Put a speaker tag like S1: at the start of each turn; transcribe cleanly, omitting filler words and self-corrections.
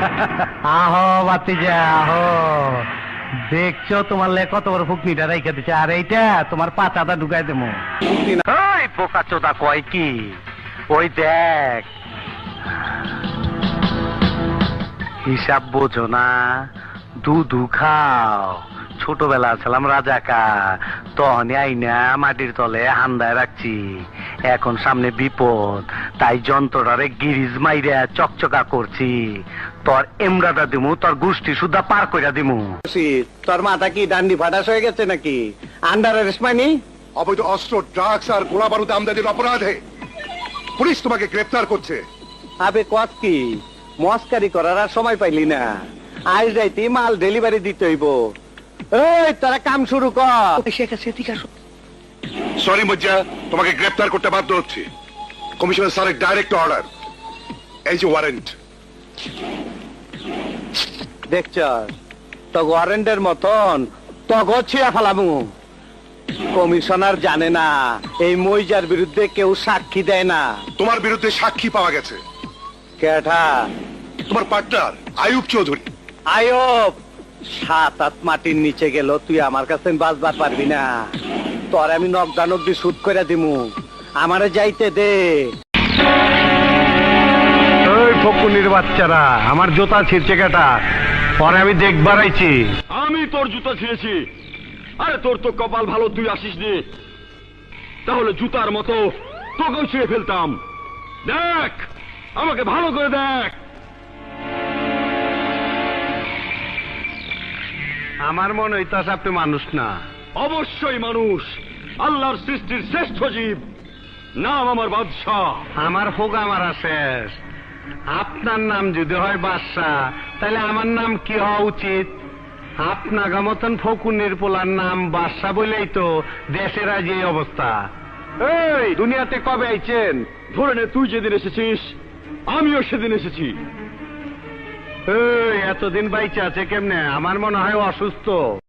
S1: আহো বাতিজা আহো, দেখছো তোমার লে কত বড় ফুকনিটা রেখে দিচ্ছে, আর এইটা তোমার পাতাটা ঢুকাই দেবো। ওই পোকা চোদা কয় কি, ওই দেখ হিসাব বোঝো না, দুধু খাও। ছোটবেলা ছিলাম রাজাকার, তখনই আইনা মাটির তলে হান্দায় রাখছি। এখন সামনে বিপদ, তাই যন্ত্রটারে গিরিজ মাইরা চকচকা করছি। তোর এমরাটা দিমু, তোর গোষ্ঠী সুদ্ধা পার কইরা দিমু। তোর মাথা কি ডান্ডি ফাটাস হয়ে গেছে নাকি? আন্ডার অ্যারেস্ট মানি?
S2: অবৈধ অস্ত্র, ড্রাগস আর গোলা বারুদ আমদানির অপরাধে পুলিশ তোমাকে গ্রেফতার করছে।
S1: আবে কত কি মস্কারি করার আর সময় পাইলি না, আজ রাইতে মাল ডেলিভারি দিতে হইব। এই তোরা কাম শুরু কর।
S2: সরি মজ্জা, তোমাকে গ্রেফতার করতে বাধ্য হচ্ছে। কমিশনার স্যারের ডাইরেক্ট অর্ডার, এই যে ওয়ারেন্ট।
S1: দেখছ তো ওয়ারেন্টের মতন তগো ছিঁড়া ফেলামু। কমিশনার জানে না এই মইজার বিরুদ্ধে কেউ সাক্ষী দেয় না।
S2: তোমার বিরুদ্ধে সাক্ষী পাওয়া গেছে।
S1: কেঠা?
S2: তোমার পার্টনার আয়ুব চৌধুরী।
S1: আয়ব 7-8 মাটির নিচে গেল, তুই আমার কাছে বাঁচবার পারবি না। তোর আমি নকদান অব্দি শুট করে দিমু, আমারে যাইতে দে। ওই ফকুনির বাচ্চারা আমার জুতা ছিঁড়ছে কেটা, পরে আমি দেখবার আইছি।
S3: আমি তোর জুতা ছিঁড়েছি? আরে তোর তো কপাল ভালো, তুই আসিস নি, তাহলে জুতার মতো তোকেও ছিঁড়ে ফেলতাম। দেখ, আমাকে ভালো করে দেখ।
S1: আমার মনে হইতাছে আপনি মানুষ না।
S3: অবশ্যই মানুষ, আল্লাহর সৃষ্টির শ্রেষ্ঠ জীব, নাম আমার বাদশাহ।
S1: আমার ফোকা মারা শেষ। আপনার নাম যদি হয় বাদশাহ, তাহলে আমার নাম কি হওয়া উচিত? আপনার মতন ফকুনের পোলার নাম বাদশাহ বলেই তো দেশের আজ এই অবস্থা। এই দুনিয়াতে কবে আইছেন?
S3: ধরে নে তুই যেদিন এসেছিস আমিও সেদিন এসেছি।
S1: এই এতদিন বাইচে আছে কেমনে? আমার মনে হয় অসুস্থ।